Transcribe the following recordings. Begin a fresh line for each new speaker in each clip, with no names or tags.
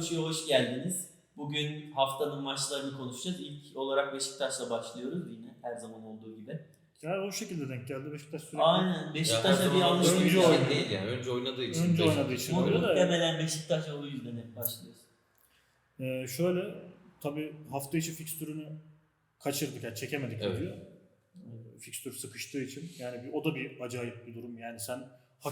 Koşu'ya hoş geldiniz. Bugün haftanın maçlarını konuşacağız. İlk olarak Beşiktaş'la başlıyoruz yine her zaman olduğu gibi.
Ya o şekilde denk geldi. Beşiktaş sürekli
Aynen. Beşiktaş'a bir
önce
alışveriş
Önce
oynadığı
oynadı.
değil yani. Önce oynadığı için.
önce oynadığı için öyle de.
Muhtemelen Beşiktaş'a o yüzden hep başlıyoruz.
Şöyle tabii hafta içi fikstürünü kaçırdık yani çekemedik
Evet.
diyor. Fikstür sıkıştığı için yani o da bir acayip bir durum. Yani sen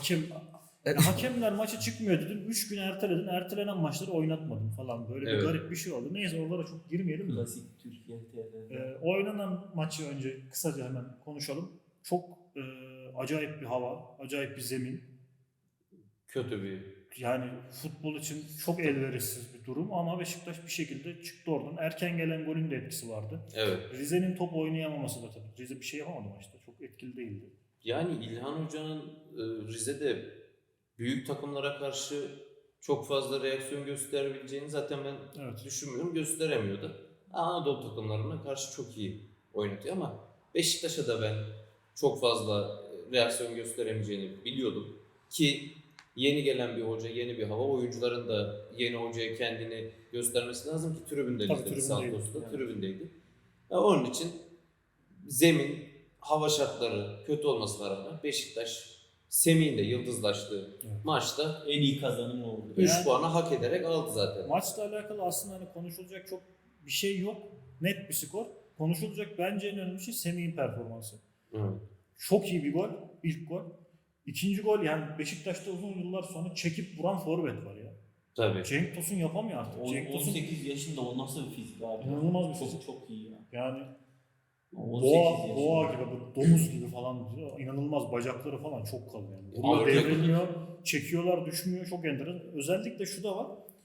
hakemler maça çıkmıyor dedin. 3 gün erteledin. Ertelenen maçları oynatmadın falan. Böyle
Evet.
bir garip bir şey oldu. Neyse oralara çok girmeyelim de.
Klasik Türkiye TV'de.
Oynanan maçı önce kısaca hemen konuşalım. Çok acayip bir hava, acayip bir zemin.
Kötü bir.
Yani futbol için çok elverişsiz bir durum ama Beşiktaş bir şekilde çıktı oradan. Erken gelen golün de etkisi vardı.
Evet.
Rize'nin top oynayamaması da tabii. Rize bir şey yapamadı maçta. Çok etkili değildi.
Yani İlhan Hoca'nın Rize'de büyük takımlara karşı çok fazla reaksiyon gösterebileceğini zaten ben
Evet.
düşünmüyorum. Gösteremiyordu. Anadolu takımlarına karşı çok iyi oynatıyor ama Beşiktaş'a da ben çok fazla reaksiyon gösteremeyeceğini biliyordum. Ki yeni gelen bir hoca, yeni bir hava, oyuncuların da yeni hocaya kendini göstermesi lazım ki tribünden
Tabii,
izledik
tribündeydi.
Santos'ta,
Evet.
tribündeydi. Onun için zemin, hava şartları kötü olmasına rağmen Beşiktaş Semih'in de yıldızlaştığı
Evet.
maçta
En iyi kazanım oldu.
3
Yani-
puanı hak ederek aldı zaten.
Maçla alakalı aslında hani konuşulacak çok bir şey yok. Net bir skor. Konuşulacak bence en önemli şey Semih'in performansı.
Evet.
Çok iyi bir gol. İlk gol. İkinci gol yani Beşiktaş'ta uzun yıllar sonra çekip vuran forvet var ya.
Tabii.
Cenk Tosun yapamıyor artık. Cenk Tosun
18 yaşında o nasıl bir fizik abi?
İnanılmaz bir
çok,
fizik.
Çok iyi ya.
yani
18 yaşında.
boğa gibi, bu domuz gibi falan diyor. İnanılmaz bacakları falan çok kalın yani. Vuruyor,
Ağır
devrilmiyor, çekiyorlar, düşmüyor. Çok enteresan. Özellikle şu da var.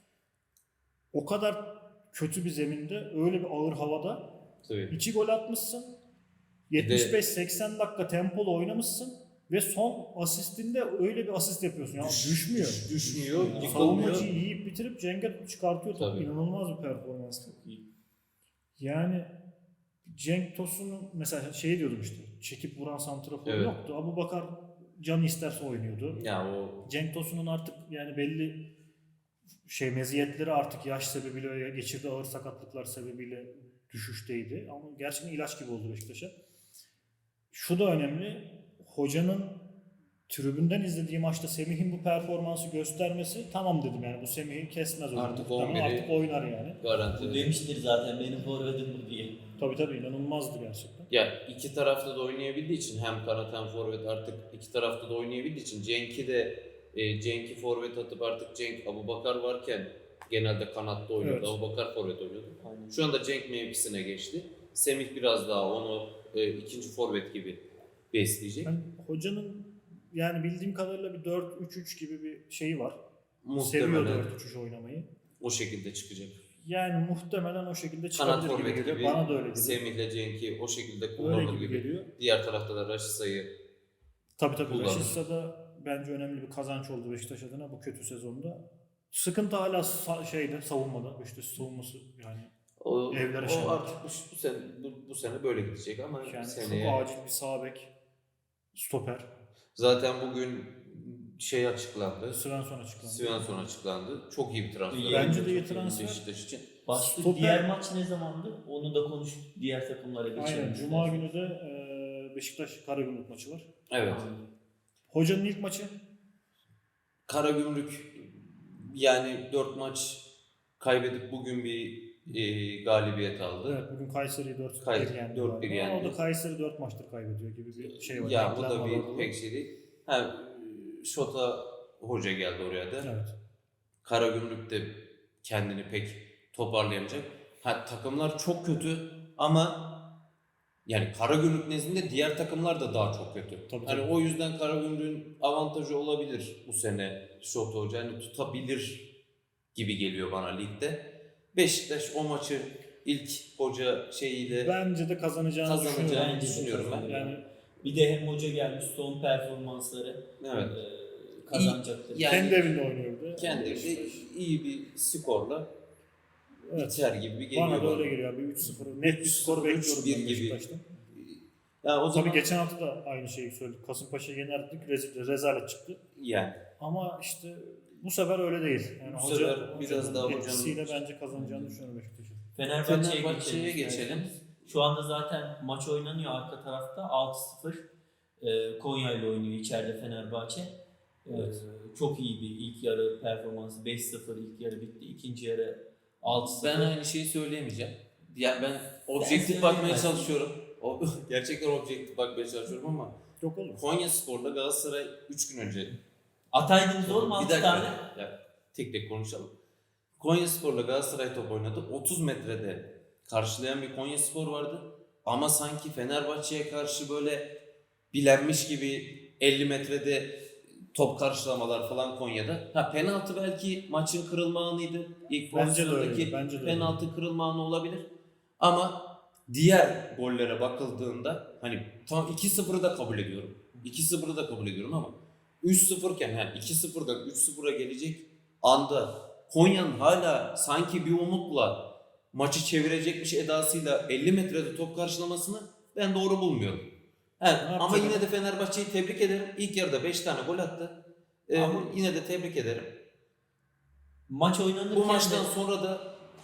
O kadar kötü bir zeminde, öyle bir ağır havada
Tabii.
2 gol atmışsın.
Bir de-
75-80 dakika tempolu oynamışsın ve son asistinde öyle bir asist yapıyorsun. Yani düşmüyor.
Düşmüyor, yıkılmıyor.
Savunmacıyı yiyip bitirip Cenk'e çıkartıyor topu.
Tabii.
İnanılmaz bir performans.
Çok iyi.
Yani Cenk Tosun'un mesela şey diyordum işte, çekip vuran santrafor
Evet.
yoktu. Abubakar canı isterse oynuyordu.
Ya o
Cenk Tosun'un artık yani belli meziyetleri artık yaş sebebiyle, geçirdiği ağır sakatlıklar sebebiyle düşüşteydi. Ama gerçekten ilaç gibi oldu Beşiktaş'a. Şu da önemli, hocanın tribünden izlediği maçta Semih'in bu performansı göstermesi, tamam dedim yani bu Semih'i kesmez oyunu.
Artık
Muhtemelen
11'i
artık oynar yani.
garanti.
Bu demiştir zaten benim forvetim bu diye.
Tabii inanılmazdı gerçekten.
Ya iki tarafta da oynayabildiği için hem kanat hem forvet artık iki tarafta da oynayabildiği için Cenk'i forvet atıp artık Cenk Abubakar varken genelde kanatta oynuyordu.
Evet.
Abubakar forvet oynuyordu.
Aynen.
Şu anda Cenk mevkisine geçti. Semih biraz daha onu ikinci forvet gibi besleyecek.
Yani hocanın yani bildiğim kadarıyla bir 4-3-3 gibi bir şeyi var. Seviyor
Muhtemelen
4-3-3 oynamayı.
o şekilde çıkacak.
Yani muhtemelen o şekilde
Kanat
çıkabilir gibi
forvet
geliyor.
gibi
Bana da öyle geliyor.
Semih'le Cenk'i o şekilde
Öyle
kullanır
gibi
gibi.
geliyor.
Diğer tarafta da Raşitsa'yı
Tabii
kullanır.
Rashica da bence önemli bir kazanç oldu Beşiktaş adına bu kötü sezonda. Sıkıntı hala savunmada. Beşiktaş savunması yani. Evlere
o artık bu sene böyle gidecek ama
Yani
seneye
çok acil bir sağ bek, stoper.
zaten bugün açıklandı.
Svensson açıklandı.
açıklandı. Çok iyi bir transfer.
Bence
de iyi
Çok
transfer.
Beşiktaş için.
Başlık
Stoper-
diğer maç ne zamandı? Onu da konuştuk diğer takımlara geçelim.
Aynen. Cuma günü de Beşiktaş Karagümrük maçı var.
Evet.
Hocanın ilk maçı.
Karagümrük yani 4 maç kaybedip bugün bir galibiyet aldı.
Evet, bugün Kayseri'yi 4-1
Kayseri
yendi.
4-1
galiba.
yendi.
Ama o da Kayseri 4 maçtır kaybediyor gibi bir şey var.
Ya bu
Denklem
da
var
bir
orada.
pek şey değil. Ha, Şota hoca geldi oraya da.
Evet.
Karagümrük de kendini pek toparlayamayacak. Takımlar çok kötü ama yani Karagümrük nezdinde diğer takımlar da daha çok kötü.
Tabii.
O yüzden Karagümrük'ün avantajı olabilir bu sene Şota hoca. Tutabilir gibi geliyor bana ligde. Beşiktaş o maçı ilk hoca şeyiyle
Bence de
kazanacağını düşünüyorum ben.
Yani
Bir de hem hoca gelmiş son performansları
Evet.
kazanacaktır.
Yani-
kendi evinde oynuyordu.
Kendi evinde iyi bir skorla
Evet.
biter gibi bir geliyor
Bana da
bana.
öyle geliyor. Bir 3-0. Net bir skor bekliyorum
3-1
ben
gibi.
Beşiktaş'tan.
Yani o zaman
Tabii geçen hafta da aynı şeyi söyledik. Kasımpaşa'yı yenerdik. Rezalet çıktı.
yani
Ama işte Bu sefer öyle değil. Yani
Bu sefer biraz daha hocanın
etkisiyle bence kazanacağını düşünüyorum Beşiktaş'ın.
Fenerbahçe'ye geçelim.
Şu anda zaten maç oynanıyor arka tarafta. 6-0 Konya ile oynuyor içeride Fenerbahçe.
Evet.
Çok iyi bir ilk yarı performansı. 5-0 ilk yarı bitti. İkinci yarı 6-0.
Ben aynı şeyi söyleyemeyeceğim. Yani ben objektif
söyleyemezsin.
bakmaya çalışıyorum. Gerçekten objektif bakmaya çalışıyorum ama
Yok olur.
Konyaspor'la Galatasaray 3 gün önce.
Ataydınız oğlum 6
Bir dakika.
tane.
Ya, tek tek konuşalım. Konyaspor'la Galatasaray top oynadı. 30 metrede karşılayan bir Konyaspor vardı. Ama sanki Fenerbahçe'ye karşı böyle bilenmiş gibi 50 metrede top karşılamalar falan Konya'da. Ha, penaltı belki maçın kırılma anıydı. İlk
Bence de öyle,
pozisyondaki
bence de öyle.
penaltı kırılma anı olabilir. Ama diğer gollere bakıldığında hani tam 2-0'ı da kabul ediyorum. 2-0'ı da kabul ediyorum ama 3-0 iken yani 2-0'dan 3-0'a gelecek anda Konya'nın hala sanki bir umutla maçı çevirecekmiş edasıyla 50 metrede top karşılamasını ben doğru bulmuyorum. Evet, ama
yapacak?
yine de Fenerbahçe'yi tebrik ederim. İlk yarıda 5 tane gol attı.
Ama-
Yine de tebrik ederim.
Maç oynanırken
Bu maçtan
de,
sonra da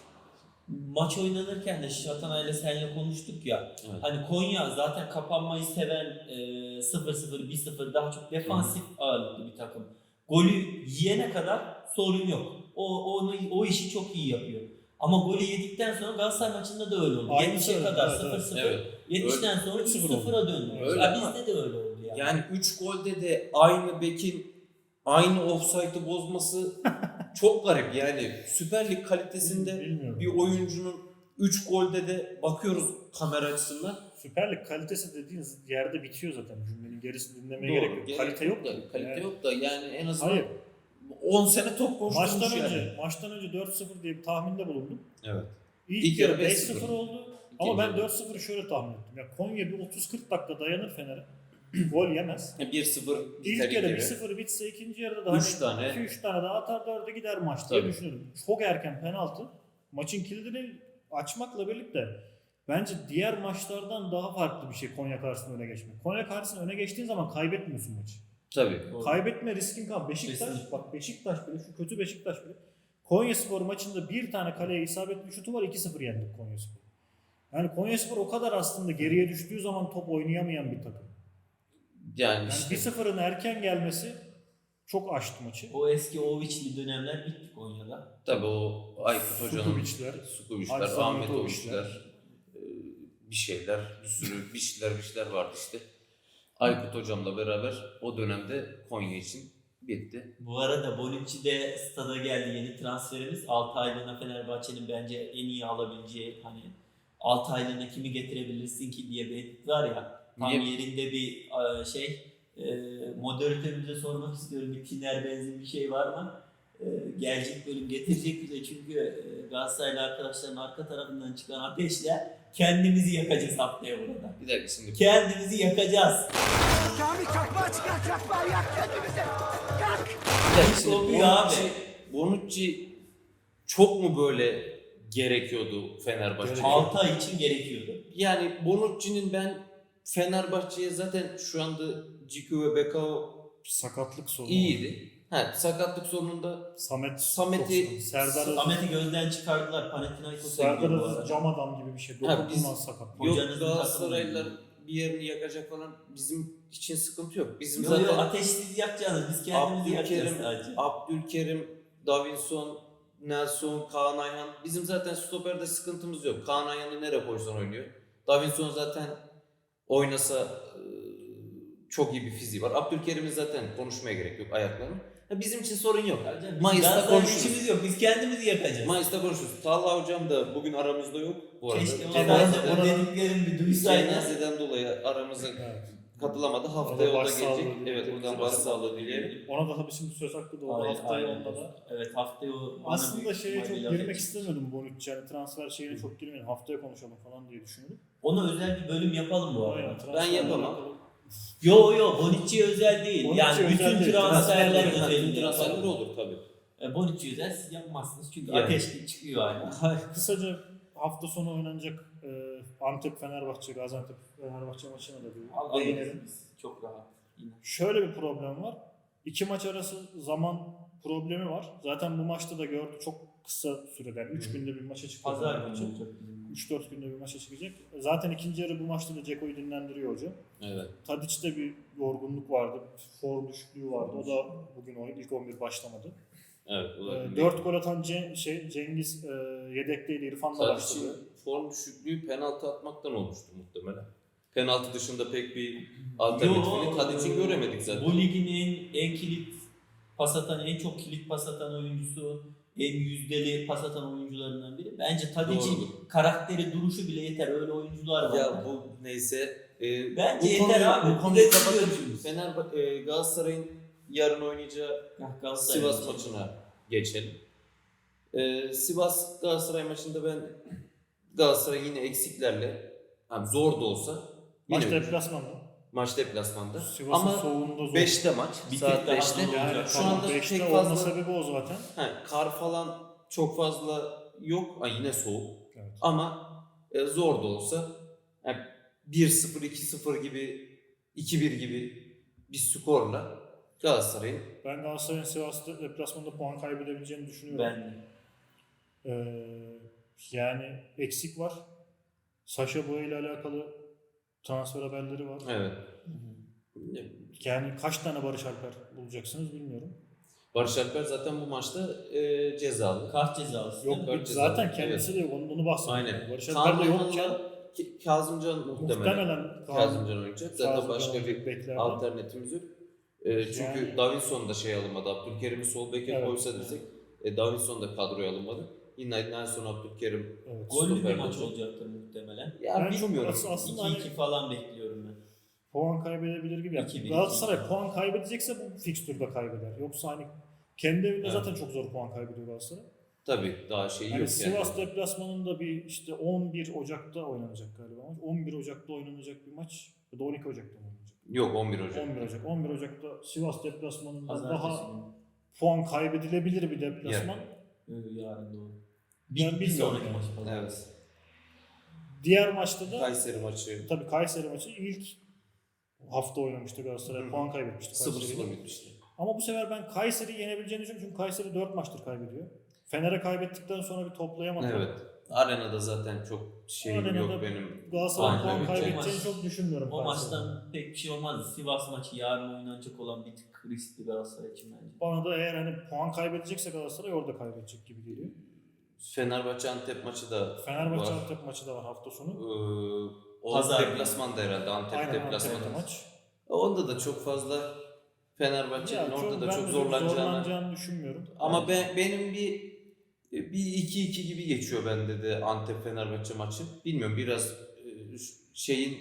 maç oynanırken de Şatanay'la seninle konuştuk ya.
evet.
Hani Konya zaten kapanmayı seven 0-0, 1-0 daha çok defansif ağırlıklı bir takım. Golü yiyene kadar sorun yok. O işi çok iyi yapıyor. Ama golü yedikten sonra Galatasaray maçında da öyle oldu.
Aynısı
70'e
öyle,
kadar
evet,
0-0.
Evet.
70'ten sonra
3-0
3-0'a döndü.
Öyle
Ya
ama-
bizde de öyle oldu yani.
Yani 3 golde de aynı bekin aynı offside'ı bozması çok garip. Yani Süper Lig kalitesinde
Bilmiyorum.
bir oyuncunun 3 golde de bakıyoruz kamera açısından.
Süper Lig kalitesi dediğiniz yerde bitiyor zaten. Cümlenin gerisini dinlemeye
Doğru,
gerek yok. Kalite yok da.
Kalite
Yani-
yok da yani en azından
Hayır.
10 sene top koşturmuş
Maçtan önce 4-0 diye bir tahminde bulundum.
Evet.
İlk yarı 5-0
5-0
oldu.
İkinci
Ama ben
yarı.
4-0'ı şöyle tahmin ettim. Ya Konya bir 30-40 dakika dayanır Fener'e. Gol yemez.
1-0 biter
İlk yarı
ilk
1-0 bitse ikinci yarıda da
Üç tane.
2-3 tane daha atar 4'e gider maç diye
Tabii.
düşünüyorum. Çok erken penaltı. Maçın kilidini açmakla birlikte bence diğer maçlardan daha farklı bir şey Konya karşısında öne geçmek. Konya karşısında öne geçtiğin zaman kaybetmiyorsun maçı.
Tabii.
Doğru.
Kaybetme riskin kalmıyor. Beşiktaş,
Kesinlikle.
bak Beşiktaş bile, şu kötü Beşiktaş bile. Konyaspor maçında bir tane kaleye isabetli şutu var, 2-0 yendik Konyaspor. Yani Konyaspor o kadar aslında geriye düştüğü zaman top oynayamayan bir takım.
Yani
Yani
işte
1-0'ın erken gelmesi çok aştı maçı.
O eski Oviçli dönemler bitti Konya'da.
tabii o Aykut Hoca'nın
Sukubiçler,
Sukubiçler,
Arslan
Ahmet
Mitoviçler.
Oviçler, bir şeyler, bir sürü bir şeyler vardı işte. Aykut Hocam'la beraber o dönemde Konya için bitti.
Bu arada Bonucci de stada geldi, yeni transferimiz. 6 aylığına Fenerbahçe'nin bence en iyi alabileceği, hani 6 aylığına kimi getirebilirsin ki diye bir edit var ya. Tam
Niye?
yerinde bir moderatörümüze sormak istiyorum. Bir tiner benzin bir şey var mı? Gelecek bölüm getirecek bize, çünkü Galatasaraylı arkadaşların arka tarafından çıkan ateşle kendimizi yakacağız haftaya burada.
Bir dakika şimdi.
Kendimizi yakacağız.
Kamil çakmağı çıkar, çakmağı yak kendimizi. Yak!
Bir dakika şimdi
Kopuyor abi.
Bonucci çok mu böyle gerekiyordu Fenerbahçe'ye?
6 ay için gerekiyordu.
Yani Bonucci'nin ben Fenerbahçe'ye zaten şu anda Ciku ve Bekao
sakatlık sorunu.
iyiydi. Ha, sakatlık sorununda
Samet'i
Samet'i-
Serdar Aziz,
Ahmet'i gözden çıkardılar. Panathinaikos'a
Serdar
gidiyor bu
Aziz
arada.
cam adam gibi bir şey.
Ha, biz-
Dokunulmaz sakat.
yok
Hocanızın
Galatasaraylılar
takımı.
bir yerini yakacak falan bizim için sıkıntı yok. Bizim
Yok yok,
zaten
ateşsiz yakacağız. Biz kendimizi yakacağız sadece.
Abdülkerim, Davinson, Nelson, Kaan Ayhan. Bizim zaten stoperde sıkıntımız yok. Kaan Ayhan'ı nereye koysan oynuyor. Davinson zaten oynasa çok iyi bir fiziği var. Abdülkerim'in zaten konuşmaya gerek yok ayaklarının. Bizim için sorun yok. Mayıs'ta
Galatasaray'ın
konuşuruz.
işimiz yok. Biz kendimizi yakacağız.
Mayıs'ta konuşuruz. Talha hocam da bugün aramızda yok bu arada.
Keşke o
Cenazeden-
ben de o dediklerimi bir duysaydı.
Cenazeden dolayı aramıza
Evet.
katılamadı. Haftaya o da
başsağlığı
gelecek.
dileyelim.
Evet, buradan başsağlığı dileyelim.
Ona da tabii şimdi söz hakkı doğdu.
Aynen,
Haftaya
aynen.
onda da.
Evet, haftaya o bana
Aslında
büyük
şeye çok
ihtimalle
girmek
laf
istemiyordum Bonucci. Yani transfer şeyine çok girmeyelim. Haftaya konuşalım falan diye düşünüyordum.
Ona özel bir bölüm yapalım bu
Aynen,
arada.
transferle
yapamam.
alakalı.
Yo Bonucci özel değil.
Bonucci
Yani
özel
bütün
değil.
transferler
Transferler
özelinde
transferler
yapalım.
olur tabii.
Bonucci özel siz yapmazsınız çünkü
Yani.
ateşli çıkıyor hala.
Kısaca hafta sonu oynanacak Antep Fenerbahçe, Gaziantep Fenerbahçe maçına da bir değinelim.
Çok rahat. Yine.
Şöyle bir problem var. İki maç arası zaman problemi var. Zaten bu maçta da gördü, çok kısa sürede, 3 günde bir maça çıkacak.
Pazar günü olacak bizim.
3-4 günde bir maça çıkacak. Zaten ikinci yarı bu maçta da Ceko'yu dinlendiriyor hoca.
Evet.
Tadiç'te bir yorgunluk vardı, form düşüklüğü vardı. O da bugün ilk 11 başlamadı.
Evet.
4 gol atan Cengiz yedekteydi, İrfan da başladı.
Tadic'in form düşüklüğü penaltı atmaktan olmuştu muhtemelen. Penaltı dışında pek bir alternatifini Tadic'in göremedik zaten.
Bu ligin en kilit pas atan, en çok kilit pas atan oyuncusu, en yüzdeli pas atan oyuncularından biri. Bence Tadic'in
Doğrudur.
karakteri, duruşu bile yeter. Öyle oyuncular var.
Ya bu neyse.
Bence
bu
yeter
konuyu,
abi.
Bu konuyu
Biz de
kapatıp Galatasaray'ın yarın oynayacağı
Galatasaray
Sivas
maçı.
maçına geçelim. Sivas Galatasaray maçında ben Galatasaray yine eksiklerle, yani zor da olsa
Maç
yine
deplasmanda.
maç deplasmanda.
Sivas'ın
Ama
soğuğunda zor.
5'te maç.
Bir
Saat
tek daha
5'te.
zor
Yani
olacak.
Şu anda
5'te
pek
olma
fazla
sebebi o zaten.
kar falan çok fazla yok. Yine soğuk.
Evet.
Ama zor da olsa yani 1-0, 2-0 gibi, 2-1 gibi bir skorla Galatasaray'ın
Ben Galatasaray'ın Sivas'ta deplasmanda puan kaybedebileceğini düşünüyorum.
Ben de.
Yani eksik var. Sacha Boey ile alakalı transfer haberleri var.
evet.
Yani kaç tane Barış Alper bulacaksınız bilmiyorum.
Barış Alper zaten bu maçta cezalı.
Kart cezalısı.
Yok
Kart
zaten
cezası,
kendisi de yok. Onu bahsediyorum.
Aynen.
Barış Alper de yokken
Kazımcan'la Kazımcan muhtemelen Kazımcan oynayacak. Zaten başka bir
beklerden.
alternatifimiz yok. Çünkü
Yani-
Davinson da alınmadı. Abdülkerim'i sol beke
Evet,
koysa desek Davinson da kadroya alınmadı. Yine en son Abdülkerim
Evet.
Gollü bir
stoper
maç
olacak.
olacaktır muhtemelen.
Ya
Ben çok
bilmiyorum.
aslında
2-2 falan bekliyorum ben.
puan kaybedebilir gibi. Yani
2-1,
Galatasaray
2-2.
puan kaybedecekse bu fikstürde kaybeder. Yoksa hani kendi evinde
Evet.
zaten çok zor puan kaybediyor Galatasaray.
Tabii daha şey
Yani
yok
Sivas
yani.
deplasmanında bir işte 11 Ocak'ta oynanacak galiba maç. 11 Ocak'ta oynanacak bir maç ya da 12 Ocak'ta mı oynanacak?
Yok 11 Ocak.
11 Ocak. 11 Ocak'ta Sivas deplasmanında
Pazartesi
daha
günü.
puan kaybedilebilir bir deplasman.
Yarın doğru.
Ben
Bir
bilmiyorum
sonraki
yani.
maç falan.
Evet.
Diğer maçta da
Kayseri maçı
tabii Kayseri maçı ilk hafta oynamıştı Galatasaray.
Hı.
Puan kaybetmişti
0-0
Kayseri'yle.
bitmişti.
Ama bu sefer ben Kayseri'yi yenebileceğini düşünüyorum çünkü Kayseri 4 maçtır kaybediyor. Fener'e kaybettikten sonra bir toplayamadı.
Evet. Arenada zaten çok şeyim
Arenada
yok benim.
Galatasaray'ın
Aynen,
puan
evet.
kaybedeceğini çok düşünmüyorum.
O
Kayseri'nin.
maçtan pek bir şey olmaz. Sivas maçı yarın oynanacak olan bir tık riskli Galatasaray için bence.
Bana da eğer hani puan kaybedecekse Galatasaray orada kaybedecek gibi geliyor.
Fenerbahçe Antep maçı da
Fenerbahçe
var.
Antep maçı da var hafta sonu.
O
Pazar
deplasmanda herhalde. Antep
Aynen
deplasmanı.
Antep'te maç.
Onda da çok fazla Fenerbahçe'nin orada da çok zorlanacağını.
düşünmüyorum.
Ama benim bir 2-2 gibi geçiyor bende de Antep Fenerbahçe maçı. Bilmiyorum biraz şeyin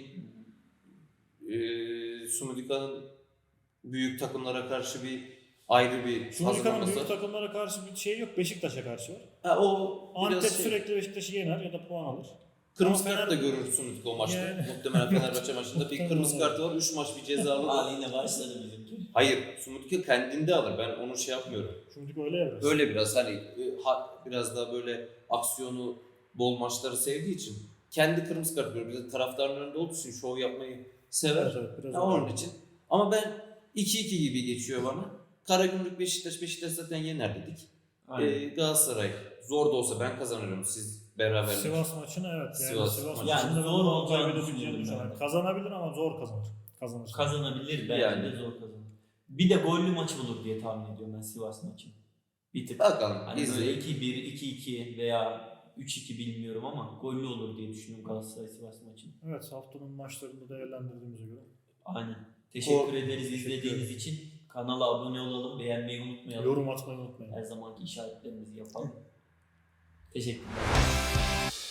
Sumudika'nın büyük takımlara karşı bir ayrı bir
Şumika'nın büyük
hazırlaması.
takımlara karşı bir şey yok. Beşiktaş'a karşı var.
O
Antep
biraz
sürekli Beşiktaş'ı yener ya da puan alır.
kırmızı
Ama
kart da görür Sumudika o maçta.
Yani-
Muhtemelen Fenerbahçe maçında bir
Muhtemelen
kırmızı
olur.
kartı var. 3 maç bir cezalı.
Aa yine başladı bizimki.
Hayır, Sumudika kendinde alır. Ben onu yapmıyorum.
Şumika öyle yapar.
Öyle biraz hani biraz daha böyle aksiyonu bol maçları sevdiği için kendi kırmızı kart görüyor. Bir de taraftarın önünde olduğu için şov yapmayı sever.
Evet, evet, biraz
Ya
öyle.
onun için. Ama ben 2-2 gibi geçiyor bana. Karagümrük Beşiktaş zaten yener dedik. Galatasaray zor da olsa ben kazanırım. Siz beraberlik.
Sivas maçını evet. Yani
Sivas
Sivas
maçı.
maçında
Yani
ben
zor
puan
olacağını
kaybedebileceğini
düşünüyorum
düşünüyorum.
ben de.
Kazanabilir ama zor kazanır. Kazanır.
Kazanabilir bence
Yani.
de zor kazanır. Bir de gollü maç olur diye tahmin ediyorum ben Sivas maçını. Bir tık.
Bakalım.
Hani böyle
izleyelim.
2-1, 2-2 veya 3-2 bilmiyorum ama gollü olur diye düşünüyorum Galatasaray Sivas maçını.
Evet, haftanın maçlarını da değerlendirdiğimize göre.
Aynen. Teşekkür
O-
ederiz
Teşekkür
izlediğiniz
ederim.
için. Kanala abone olalım, beğenmeyi unutmayalım.
Yorum atmayı unutmayın.
Her zamanki işaretlerimizi yapalım. Teşekkürler.